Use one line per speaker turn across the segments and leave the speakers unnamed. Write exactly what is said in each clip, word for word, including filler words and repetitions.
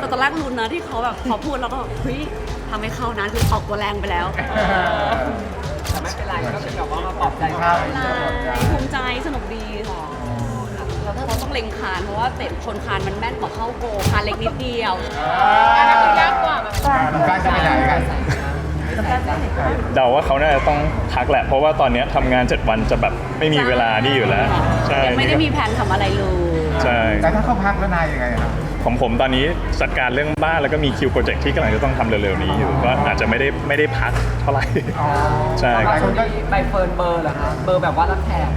ตอนแรกลุ้นนะที่เขาแบบพอพูดแล้วก็เฮ้ยทำให้เข้านะคือออกตัวแรงไปแล้ว
แต่ไม่เป็นไรก็เป็นแบบว่ามาปลอบใจ
ใช่ภูมิใจสนุกดีค่ะแล้วถ้าเราต้องเล็งคานเพราะว่าเตะชนคานมันแม่นกว่าเข้าโกคานเล็กนิดเดียว
อันนั้นคือยากกว่าแบบ
การจะไปไหนกัน
เดาว่าเขาน่าจะต้องพักแหละเพราะว่าตอนนี้ทำงานเจ็ดวันจะแบบไม่มีเวลานี่อยู่แล้วใช่
ยังไม่ได้มีแผนทำอะไรเลย
ใช่
แต่ถ้าเขาพักแล้วนายยังไงครับ
ของผมตอนนี้จัดการเรื่องบ้านแล้วก็มีคิวโปรเจกต์ที่กำลังจะต้องทำเร็วๆนี้อยู่ก็อาจจะไม่ได้ไม่ได้พักเท่าไหร่ใช่
บางคนก็ใบเฟิร์นเบอร์เหรอคะเบอร์แบบว่ารับแขก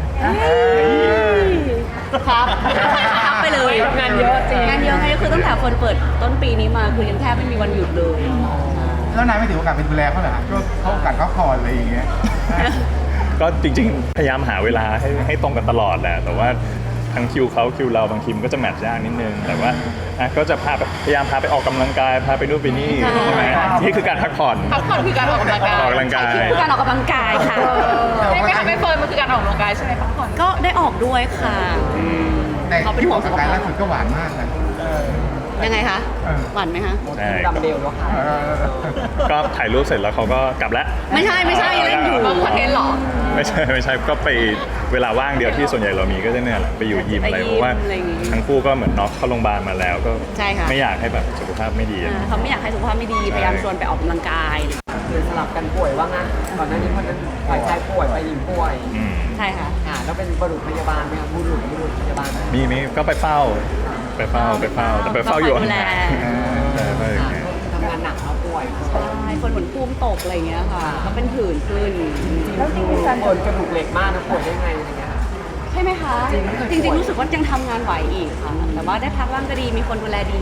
ครับพักไปเลย
งานเยอะจริง
งานเยอะไงก็คือตั้งแต่คนเปิดต้นปีนี้มาคือยังแทบไม่มีวันหยุดเลย
แล้วนายไม่ถือโอกาสเป็นดูแลเขาเหรอช่วงเขาโอกาสเขาคอนอะไรอย่างเงี้ย
ก็จริงๆพยายามหาเวลาให้ให้ตรงกันตลอดแหละแต่ว่าทั้งคิวเขาคิวเราบางทีมันก็จะแมทช์ยากนิดนึงแต่ว่าก็จะพาพยายามพาไปออกกำลังกายพาไปนู่นไปนี่ใช่ไหมนี่คือการพักผ่อน
พักผ่อนคือการออกกำลังกาย
ออกกำลังกาย
คือการออกกำลังกายค่ะ
ไม่ไม่ทำไม่เฟิร์นมันคือการออกกำลังกายใช่ไหมพักผ่อน
ก็ได้ออกด้วยค่ะ
แต่ที่ออกกำลังกายล่าสุดก็หวานมากนะ
ยังไงคะหวานไหมคะ
ใช่
ดัมเบลแล้วค่ะ
ก็ถ่ายรูปเสร็จแล้วเขาก็กลับแล้ว
ไม่ใช่ไม่ใช่เล่นอยู่
คอนเทนต์หรอ
ไม่ใช่ไม่ใช่ก็ไปเวลาว่างเดียวที่ส่วนใหญ่เรามีก็จะเนี่ยแหละไปอยู่ยิมอะไรเพราะว่าทั้งคู่ก็เหมือนน็อกเข้าโรงพยาบาลมาแล้วก็ไม่อยากให้แบบสุขภาพไม่ดี
เขาไม่อยากให้สุขภาพไม่ดีพยายามชวนไปออกกำลังกาย
คือสลับกันป่วยว่างั้นก่อนหน้านี้คนนั้นฝ่ายชายป่วยฝ่ายหญิงป่วย
ใช่ค่ะ
ค่ะแล้วเป็นบุรุษพยาบาลไหมครับบุรุษบุรุษพยาบาล
มีมีก็ไปเฝ้าไปเฝ้าไปเฝ้าแต่ไปเฝ้าอยู่
ดูแล
ทำงานหนักแล้วป่วย
ใช่คนเหมือนภูมิตกอะไรอย่างเงี้ยค่ะก็เป็นผื่นขึ้น
แล้วจริงๆการป่วยกระดูกเหล็กมากนะป่วยได้ไงอะไรเงี้ย
ใช่ไหมคะจริงๆรู้สึกว่ายังทำงานไหวอีกค่ะแต่ว่าได้พักบ้างก็ดีมีคนดูแลดี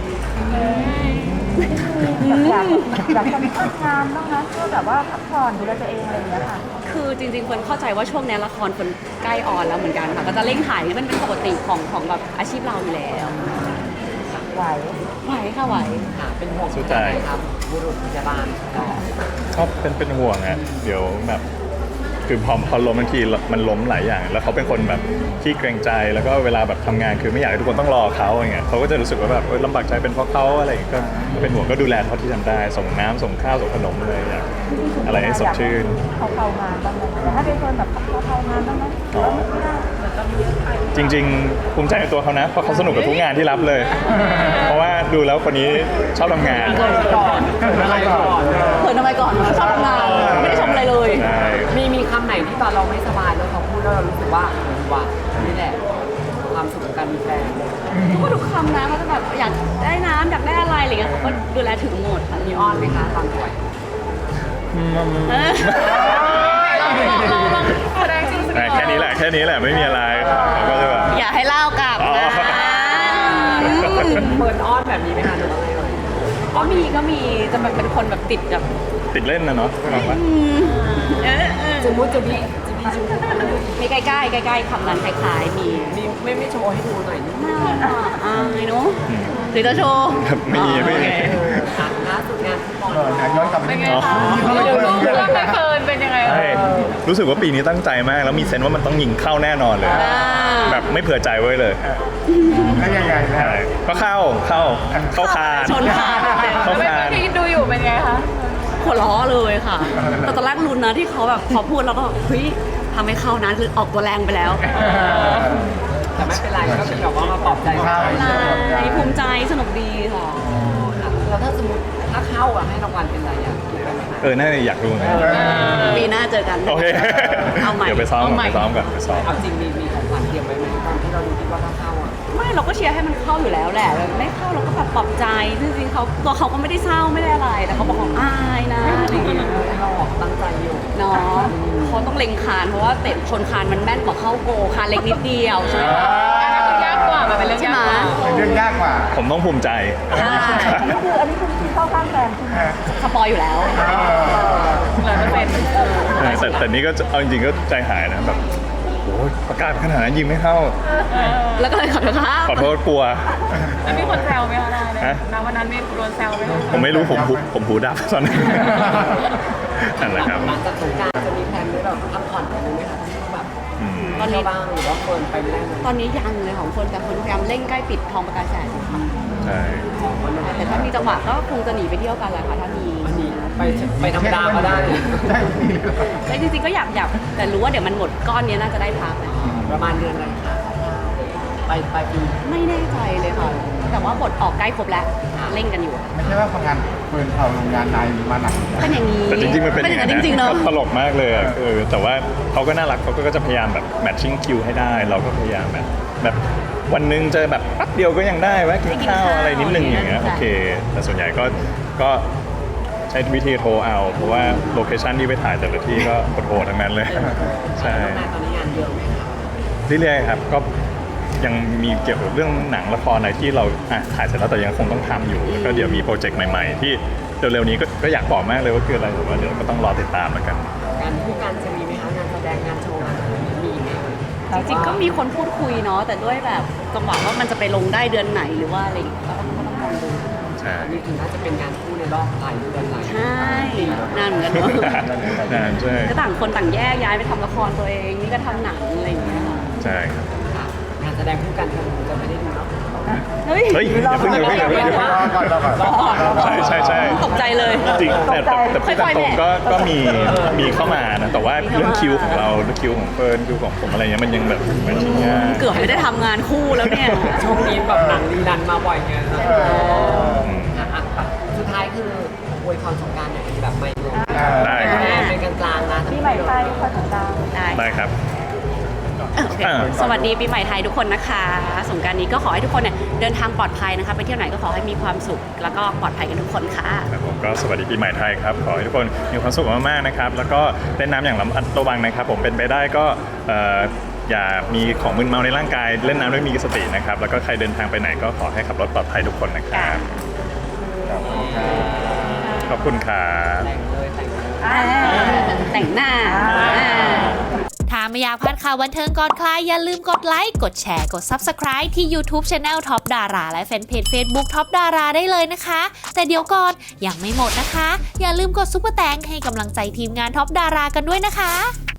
อยากอยากจะมีพักงานบ้างนะเพื่อแบบว่าพักผ่อนดูแลตัวเองอะไรอย่างเงี้ยค่ะ
คือจริงๆคนเข้าใจว่าช่วงนี้ละครคนใกล้ออนแล้วเหมือนกันค่ะก็จะเร่งถ่ายนี่มันเป็นปกติของของแบบอาชีพเราอยู่แล้ว
ไหว
ไหวค่ะไหว
ค่ะเป็นห่วงใจครับบุรุษพยาบาล
ก็เป็นเป็นห่วงอ่ะเดี๋ยวแบบคือพอพอล้มบางทีมันล้มหลายอย่างแล้วเขาเป็นคนแบบขี้เกรงใจแล้วก็เวลาแบบทำงานคือไม่อยากให้ทุกคนต้องรอเขาอย่างเงี้ยเขาก็จะรู้สึกว่าแบบลำบากใจเป็นเพราะเขาอะไรก็เป็นห่วงก็ดูแลเขาที่ทำได้ส่งน้ำส่งข้าวส่งขนมอะไรอย่างอะไรให้สดชื่น
เขาเข้างานบ้างไหมแต่ถ้าเป็นคนแบบเขาเข้างานบ้างไหมไม่ได้เหมือนกับเยอะไป
จริงๆภูมิใจในตัวเขานะเพราะเขาสนุกกับทุกงานที่รับเลย เพราะว่าดูแล้วคนนี้ชอบทำงาน
ก่อนเขินอะไรก่อน
เขินทำไมก่อนชอบทำงานไม่ได้ชมอะไรเลย
มีมีคำไหนที่ตอนเราไม่สบายแล้วเขาพูดแล้วเรารู้สึกว่าว่านี่แหละความสุขของการมีแฟน
ก็ทุกคำนะเขาจะแบบอยากได้น้ำอยากได้อะไรอะไรเงี้ยเขาก็ดูแลถึงหมด
มีอ้อนไหมคะตอนป่วย
แค่นี้แหละแค่นี้แหละไม่มีอะไรก็จะแบบ
อย่าให้เล่ากลับนะ
เปิดอ้อนแบบนี้ไหมคะหรือว่าไง
ก็มีก็มีจะแบบเป็นคนแบบติดแบบ
ติดเล่นนะเนาะ
จุมุจุบิ
มีใกล้ๆใกล้ๆคำนั้นคล้ายๆมี
มีไม่ไม่โชว์ให้ดูหน่อยนิดนึง
อ่าไอ้หนูหรือจะโชว์
ไม่มีไม่มี
ล่าสุดงานฟุตบอล
ย้อนกลับไป
เป็นไงคะดูรูปแล้วไม่เฟิร์นเป็นยังไง
รู้สึกว่าปีนี้ตั้งใจมากแล้วมีเซนว่ามันต้องยิงเข้าแน่นอนเลยแบบไม่เผื่อใจไว้เลย
แล้วยังไงนะ
ก็เข้าเข้าเข้าคาน
ชนคาน
เข้าคาน
ที่ดูอยู่เป็นไงคะ
หัวล้อเลยค่ะแต่ตอนแรกลุ้นนะที่เขาแบบพอพูดแล้วก็เฮ้ยทำให้เข้านะคือออกตัวแรงไปแล้ว
แต่ไม่เป็นไรก็เป็นแบบว่ามาปลอบใจเขา
ภูมิใจสนุกดีค่ะ
แล้วถ้าสมมติถ้าเข้าอะให้รางวัลเป็นอะไรอะ
เออน่าจะอยากรู้
ปีหน้าเจอกัน
โอเค
เอาใหม่
เดี๋ยวไปซ้อมไปซ้อมกันไปซ้อม
เอาจริงมีมีของขวัญเตรียมไว้ไหมตอนที่เราดูคิดว่าถ้าเข้าอะ
ไม่เราก็เชียร์ให้มันเข้าอยู่แล้วแหละไม่เข้าเราก็แบบปลอบใจจริงๆเขาตัวเขาก็ไม่ได้เศร้าไม่ได้อะไรแต่เขาบอกว่าอายนะอะไรอย่างเงี้ย
เราตั้งใจอยู่
เนาะเขาต้องเล็งคานเพราะว่าเตะชนคานมันแม่นกว่าเข้าโกคานเล็กนิดเดียวใช่ไหม
อันนั้นคือยากกว่ามันเป็นเรื่องยากกว่า
เรื่องยากกว่า
ผมต้องภูมิใจ
อันนี้คืออันนี้คือที่เข้าข้างแฟน
สปอยอยู่แล้ว
ร้อยเปอร์เซ็นต์
แต่แต่นี่ก็เอาจริงๆก็ใจหายนะแบบโอ้ยประกาศขนาดนั้นยิงไม่เข้า
แล้วก็เลยขอโทษครับ
ขอโทษกลัว
แล้วมีคนแซวไหมคะนะณวันนั้นมีโดนแซวไหม
ผมไม่รู้ผมผมหูดับตอนนั้นนั่นแหละครับ
หลังจากสงกรานต์จะมีแผนไว้แบบพักผ่อนกันไหมคะแบบตอนนี้บ้างหรือว่าคนไปไม่ได้
ตอนนี้ยังเลยของคนแต่คนพยายามเร่งใกล้ปิดทองประกาศแสนค่ะ
ใช่
แต่ถ้ามีจังหวะก็คงจะหนีไปเที่ยวกันแหละค่ะถ้ามี
วันนี้ไปไปธรรมดาก็ได้
ใช่
แต่จริงๆก็อยากอยากแต่รู้ว่าเดี๋ยวมันหมดก้อนนี้น่าจะได้พักนะ
ประมาณเดือนอะไรคะไปไปปี
ไม่แน่ใจเลยค่ะ แต่ว่าบทออกใกล้ครบแล้วเร่งกันอยู่
ไม่ใช่ว่าทำงานเฟิร์นเอาโรงงานนายมาหนัก
เป็นอย่างนี้
แต่จริงๆมันเป็นอย่าง
นั้
นั้น น
จริงๆเนาะ
ตลกมากเลยอะเออแต่ว่าเขาก็น่ารักเขาก็จะพยายามแบบแมทชิ่งคิวให้ได้ เราก็พยายามแบบแบบวันหนึงเจอแบบแป๊บเดียวก็ยังได้แวะกินข้าวอะไรนิดนึงอย่างเงี้ยโอเค แต่ส่วนใหญ่ก็ก็ใช้วิธีโทรเอา เพราะว่าโลเคชั่นที่ไปถ่ายแต่ละที่ก็โหดๆทั้งนั้นเลย ใช่
น้องนายตอนนี้งานเยอะไหมคะ
เรื่อยๆครับก็ยังมีเกี่ยวกับเรื่องหนังละครอะไรที่เราอ่ะถ่ายเสร็จแล้วแต่ยังคงต้องทำอยู่แล้วก็เดี๋ยวมีโปรเจกต์ใหม่ๆ ที่เร็วๆนี้ก็ก็อยากบอกมากเลยว่าคืออะไรแต่ว่าเดี๋ยวก็ต้องรอติดตามแล้วกัน
การคู่กันจะมีไหมคะงานแสดงงานโชว์งานอะไรมีไหม
จริงๆก็มีคนพูดคุยเนาะแต่ด้วยแบบจังหวะว่ามันจะไปลงได้เดือนไหนหรือว่าอะไรอย่างเงี้ยก็ต้องก็ต้องลองดู
ใช่
อันนี้ถึงน่าจะเป็นงานคู่ในรอบหลายเดือนหลาย
ใช่นานเหมือนกันเนาะ
นานใช่
ก็ต่างคนต่างแยกย้ายไปทำละครตัวเองนี่ก็ทำหนังอะไรอย่างเงี้ยค่ะ
ใช่ครับ
ค่ะงานแสดงคู่กันคงจะไม่ได้ดูเนาะ
เฮ้ย
เฮ้ยอย่าเพิ่งอย่าเพิ่งอย่าเพิ่งอย่าเพิ่ง
รอก่อนรอก่อน
รอก่อนรอก่อน
ใช่ใช่ใช่
ตกใจเลย
จริงแต่แต่แต่พูดตามตรงก็ก็มีมีเข้ามานะแต่ว่าเรื่องคิวของเราเรื่องคิวของเฟิร์นคิวของผมอะไรเงี้ยมันยังแบบมันชิงยาก
เกือบไม่ได้ทำงานคู่แล้วเนี่ย
ช่วงนี้แบบหนังรีรันมาบ่อยไงนะ
เออ
อืม
อ่ะอ่ะสุดท้ายคืออวยพรสงกรานต์หน่อยแบบไม่รวม
ได้ครับ
เป็นกลางๆนะ
ปีใหม่ไทยคอยติดตาม
ได้
ได้ครับ
โอเค
อ่า
สวัสดีปีใหม่ไทยทุกคนนะคะสงกรานต์นี้ก็ขอให้ทุกคนเนี่ยเดินทางปลอดภัยนะคะไปเที่ยวไหนก็ขอให้มีความสุข แล้วก็ปลอดภัยกันทุกคนค่ะ
ครับผมก็สวัสดีปีใหม่ไทยครับขอให้ทุกคนมีความสุขมากๆนะครับแล้วก็เล่นน้ำอย่างระมัดระวังนะครับ ผมเป็นไปได้ก็เอ่ออย่ามีของมึนเมาในร่างกายเล่นน้ำด้วยมีสตินะครับแล้วก็ใครเดินทางไปไหนก็ขอให้ขับรถปลอดภัยทุกคนนะครับขอบคุณครับ
แต่งเลยแต่งเลย
อ่าแต่งหน้าอ่า
ถ้าไม่อยากพลาดข่าวบันเทิงก่อนใครอย่าลืมกดไลค์ กดแชร์ กด Subscribe ที่ YouTube Channel Top Dara และแฟนเพจ Facebook Top Dara ได้เลยนะคะ แต่เดี๋ยวก่อนยังไม่หมดนะคะ อย่าลืมกดซุปเปอร์แตงให้กำลังใจทีมงาน Top Dara กันด้วยนะคะ